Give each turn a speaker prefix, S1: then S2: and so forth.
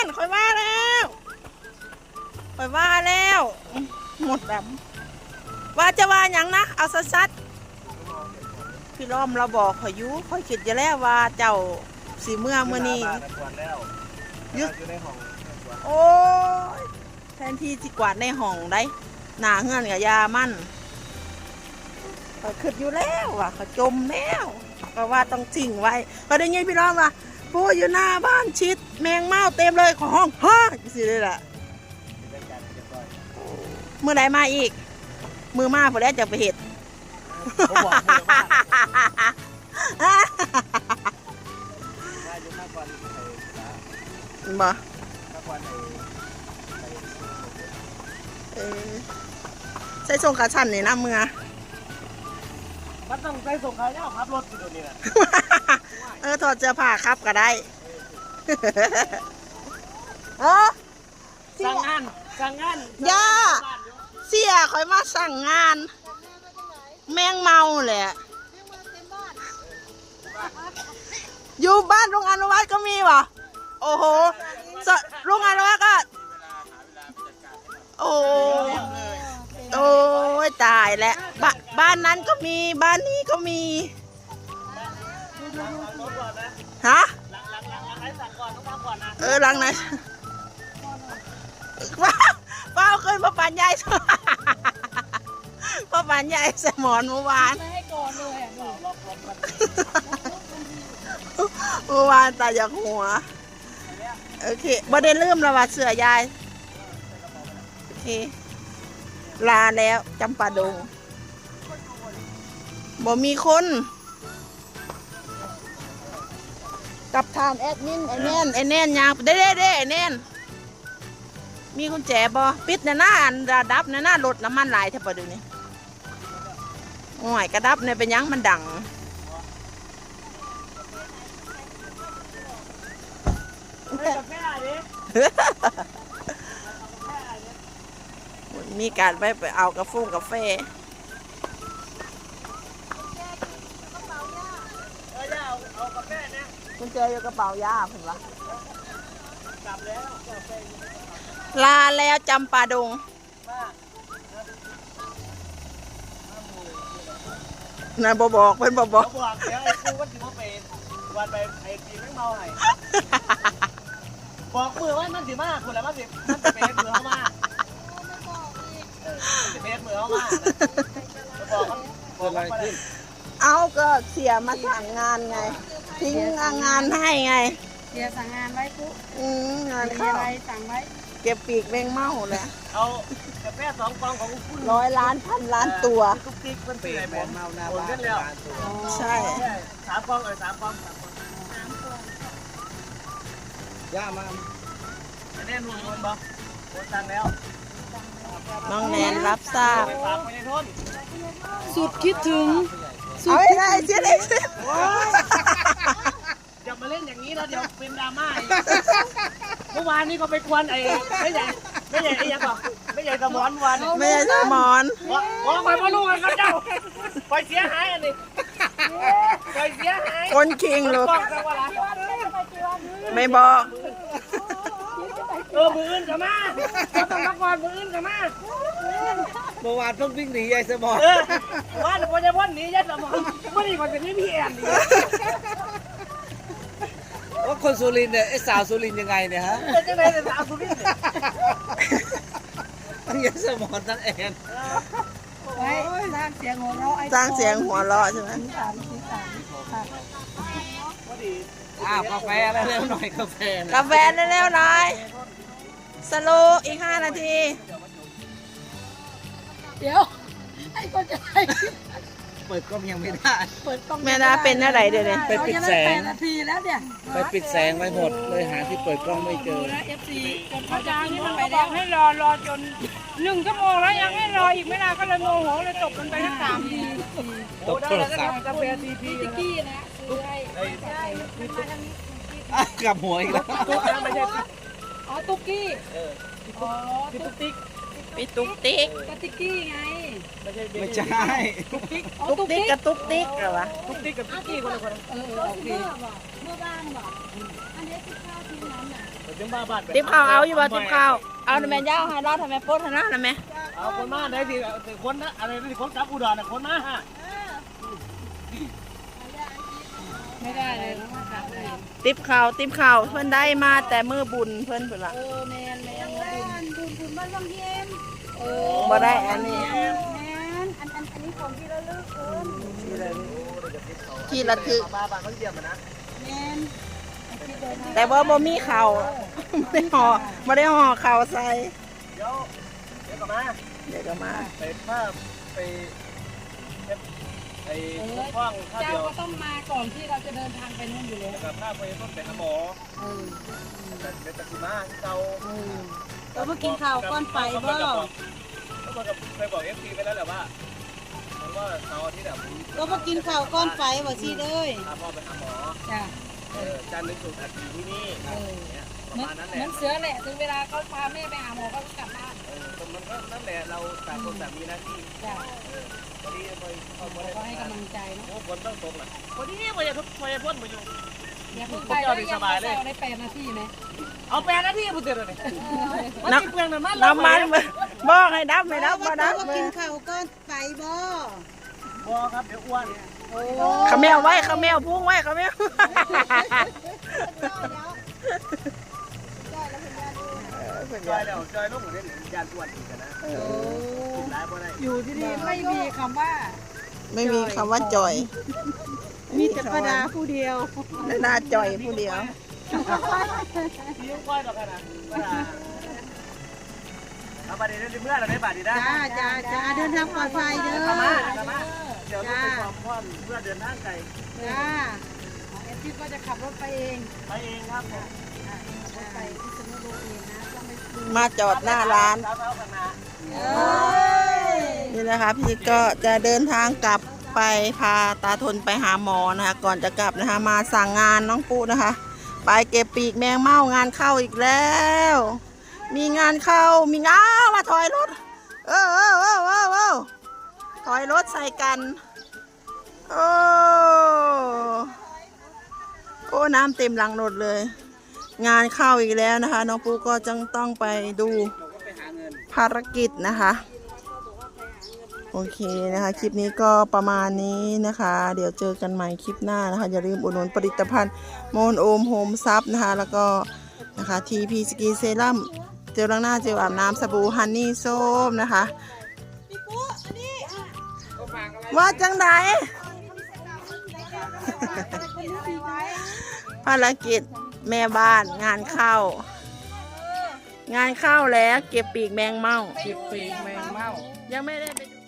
S1: ค่อยว่าแล้วหมดแบบว่าจะว่าอย่างนะเอาซัดๆพี่ล้อมเราบอกข่อยยุข่อยคิดจะแล้วว่าเจ้าสีเมื่อนี้ยึดโอ้ยแทนที่จะกวาดในห้องได้หนาเงื่อนกับยามั่นข่อยคิดอยู่แล้วว่ะข่อยจมแล้วก็ว่าต้องทิ้งไว้ก็ได้ยินพี่ล้อมว่าผู้อยู่หน้าบ้านชิดแมงเม่าเต็มเลยของห้องสิเลยล่ะเมื่อไหร่มาอีกมือมาพอแล้วจะไปเห็ดบ่ใส่ส่งขาชันนี่นะเมื่อ
S2: มันต้องใส่ส่งขาเน่าครับรถอยู่ตรงนี้แหละ
S1: ถอดเสื้อผ้าครับก็ได้
S2: สั่งงาน
S1: ย่าเสียคอยมาสั่งงานแมงเมาแหละอยู่บ้านโรงอนุวัฒน์ก็มีวะโอ้โหโรงอนุวัฒน์ก็โอ้ยตายแล้วบ้านนั้นก็มีบ้านนี้ก็มีฮะหลังไหนเป้าเคยมาปั่นใหญ่มาปั่นใหญ่สมอนเมื่อวานตาจากหัวโอเคบ่ได้ลืมแล้วว่าเสือยายโอเคลาแล้วจำปาดงบ่มีคนกับทานแอดมินไอแน่นยางเด้ไอแน่นมีกุญแจบ่ปิดในหน้าดับในหน้ารถน้ำมันหลายแทบปะเดี๋ยวนี้โอ้ยกระดับเนี่ยเป็นยังมันดังมีการไปเอากาแฟกุญแจอยู่กระเป๋าย่าผมวะลาแล้วจำปาดงนายบอกเพิ่นบอก
S2: เดี๋ยวไอ้กูว่าสิมาเป็นวันไปไอ้ปีแม่งเมาให้บอกมือว่ามันสิมาคนละมันจะเป็นมือเข้ามาจะเป็นมือเข้ามาบอกอะไรขึ้น
S1: เอาก็เสียมาสั่งงานไงทิ้งงานให้ไง
S3: เสียสั่งงานไว้ปุ๊บ
S1: งานเข้า
S3: อะไรสั่งไว้
S1: เก็บปีกแมงเม่าเลย
S2: เอากาแฟ2 กล่องของคุณ
S1: 100 ล้าน1,000 ล้านตัว
S2: ตุ๊กติ๊กมันปีกแมงเม่าหน้าบ้าน
S1: ใช่
S2: 3 กล่อง3 กล่องย่ามาแน่นวนบ่โอนตังแล้ว
S1: น้องแนนรับทราบ
S3: สุดคิดถึง
S1: เอาไอ้เจ๊เล็ก
S2: อย่ามาเล่นอย่างนี้นะเดี๋ยวเป็นดราม่าเมื่อวานนี้ก็ไปควนไม่ใหญ่ไอ้ยังบอกไม่ใหญ่สมอนวัน
S1: ไม่ใช่สมอน
S2: ว่าไปมาลูกกันครับเจ้าไปเสียหายอันนี้ไปเสียหาย
S1: คนคิงลูกไม่บอก
S2: มืออื่นกับมาต้องมาก่อนมืออื่นกับมา
S4: เมื่อวานเพิ่งวิ่งหนียายสมอน
S2: ว่าเดี๋ยวจะพ่นหนียายสมอนไม่ได้ก่อนจะนี่พี่แอน
S4: ว่าคนสุรินทร์เนี่ยไอ้สาวสุรินทร์ยังไงเนี่ยฮะ
S2: เป็นยังไงแต่สาวสุรินทร์
S4: ทั้งยายสมอนทั้งแอน
S3: ไว้สร้างเสียงหัวเราะ
S1: ใช่ไหม
S4: กาแฟเร็วหน่อยกาแฟ
S1: เร็วหน่อยสโลอีก5 นาที
S3: เดี๋ยวไอ้คนจะไป
S4: เปิดกล้องยังไม่ได้
S3: เปิดกล้อง
S1: แม่ดาเป็นอะไรเดี๋ยวนี้
S4: ไปปิดแสง
S3: นาทีแล้วเนี่ย
S4: ไปปิดแสงไว้หมดเลยหาที่เปิดกล้องไม่เจอ
S3: FC จน
S5: อาจารย์นี่มันไปแล้วให้รอจน1 ชั่วโมงแล้วยังให้รออีกไม่นานก็เลยโมโหเลยตบมันไปทั้ง3 ที
S4: ตบโทรศัพท์
S2: กาแฟทีพี
S3: ติ๊กกี้นะซื้อให้
S4: กลับหัวอีกแล้ว
S2: ไม่ใช่
S3: ตุ๊กกี้
S2: ตุ๊กติ๊ก
S1: พี่ตุ๊กติ๊ก
S3: ก็ติ๊กกี้ไง
S4: ไม่ใช่
S2: ตุ๊กติ๊ก
S1: กับตุ๊กติ๊กเหรอวะ
S2: ตุ๊กติ๊กกับติ๊กกี้คนละคน
S3: โอเคเพื่อบ้านบอกอันนี้ที่ข้าวที่น้ำน่ะ
S2: ถึงบ้าบ้าน
S1: ติ๊บข้าวเอาอยู่บ่ติ๊บข้าวเอาทำไมย่าให้รอดทำไมโพสนะทำไม
S2: เอาคนมาได้สิคนนะอะไรที่คนกลับอุดรน่ะคนมาฮะ
S3: ไม่ได้เลยนะ
S1: ติ๊บข้าวเพิ่นได้มาแต่มือบุญเพิ่นเพิ่นละ
S3: แมนบุญบ้านบางเย็น
S1: บ่ได้อันนี้
S3: แมนอันนี้ของที่ระลึกเอิญ
S1: ที่ระทึก
S2: บ้าบ้านเขาเยี่ยมนะ
S3: แมน
S1: แต่ว่าบ่มีข้าวไม่ได้ห่อข้าวใส่
S2: เดี๋ยวกลับมา
S1: เดี๋ยวก็มา
S2: ไปภาพไปไอ้ฟ้องข้าว
S3: เจ้า
S2: เดียว
S3: ก็ต้องมาก่อนที่เราจะเดินทางไปนู่นอยู่แล้ว
S2: กับภาพไปต้นไปหาหมอแต่เป็นตะกี้มาเตา
S3: เราเมื่อกินข้าวก้อนไฟบ่
S2: แล้วมันก็เคยบอกเอฟซีไปแล้วแหละว่ามันว่าเสาร์อาทิตย์แบบ
S3: เราเมื่อกินข้าวก้อนไฟบ่สิเด้ย
S2: พาพ่อไปหาหมอ
S3: จ้ะ
S2: จันทร์ถึงศุกร์อาทิตย์ที่นี่ประมาณนั้นแห
S3: เหมื
S2: ละ
S3: อนเสือแหละถึงเวลาเขาพาแม่ไปหาหมอก็กลับบ้าน
S2: มันก็นั่นแหละเราต่างคนต่างมีหน้าที่
S3: จ้ะ
S2: พอดีไปเอา
S3: ก็ให้กำลังใจเนาะ
S2: โอ้ฝนต้องตกนะพอดีพอจะพ่นมาอยู่
S3: อย่าเพิ่งไปแล้วยังไม่ได้8 นาทีไหม
S2: เอาแปลนะที่พูดเตือนเลยมันติดเปลืองน้ำมัน
S1: น้ำมันบอกให้ดับไม่ดับบ่ดับ
S3: กินข้าวก้อนไฟบ่
S2: บอครับเดี๋ยวอ้วน
S1: ขมแมวไว้ขมแมวพุ่งไว้ขมแมว
S2: จอยแล้วจอยลูกหมูเด่นยานอ้วนอีกนะกินร้ายบ่ได้
S3: อยู่ที่นี่ไม่มีคำว่า
S1: ไม่มีคำว่าจ่อย
S3: มีแต่ประดาผู้เดียว
S1: และน่าจ่อยผู้เดียว
S2: มีก้อยดอกกันนะเอาบาดีเรื่องเมื่อเราได้บาดีได้
S3: จ้าเดินทางปลอดภัยเด้อ
S2: มาเดี๋ยวต้องไปความพ่อนเพื่อเดินทางไกล
S3: จ้าเอฟซีก็จะขับรถไปเอง
S2: ไปเองครับผม
S3: รถไปที่สมุทรเองนะต้องไปดู
S1: มาจอดหน้าร้าน
S2: เท้ากันนะ
S1: นี่นะคะพี่ก็จะเดินทางกลับไปพาตาทนไปหาหมอนะคะก่อนจะกลับนะคะมาสั่งงานน้องปูนะคะ ไปเก็บปีกแมงเม่างานเข้าอีกแล้ว มีงานเข้ามีงานมาถอยรถถอยรถใส่กันโอ้น้ำเต็มหลังรถเลย งานเข้าอีกแล้วนะคะน้องปูก็จึงต้องไปดูภารกิจนะคะโอเคนะคะคลิปนี้ก็ประมาณนี้นะคะ เดี๋ยวเจอกันใหม่คลิปหน้านะคะอย่าลืมอุดหนุนผลิตภัณฑ์โมนโอมโฮมซับนะคะแล้วก็นะคะทีพีสกีเซรั่มเจลล้างหน้าเจลอาบน้ำสบู่ฮันนี่ส้มนะคะว่าจังไหน ภารกิจแม่บ้านงานเข้างานเข้าแล้วเก็บปีกแมงเม่า
S4: เก็บปีกแมงเม่า
S1: ยังไม่ได้ไปดู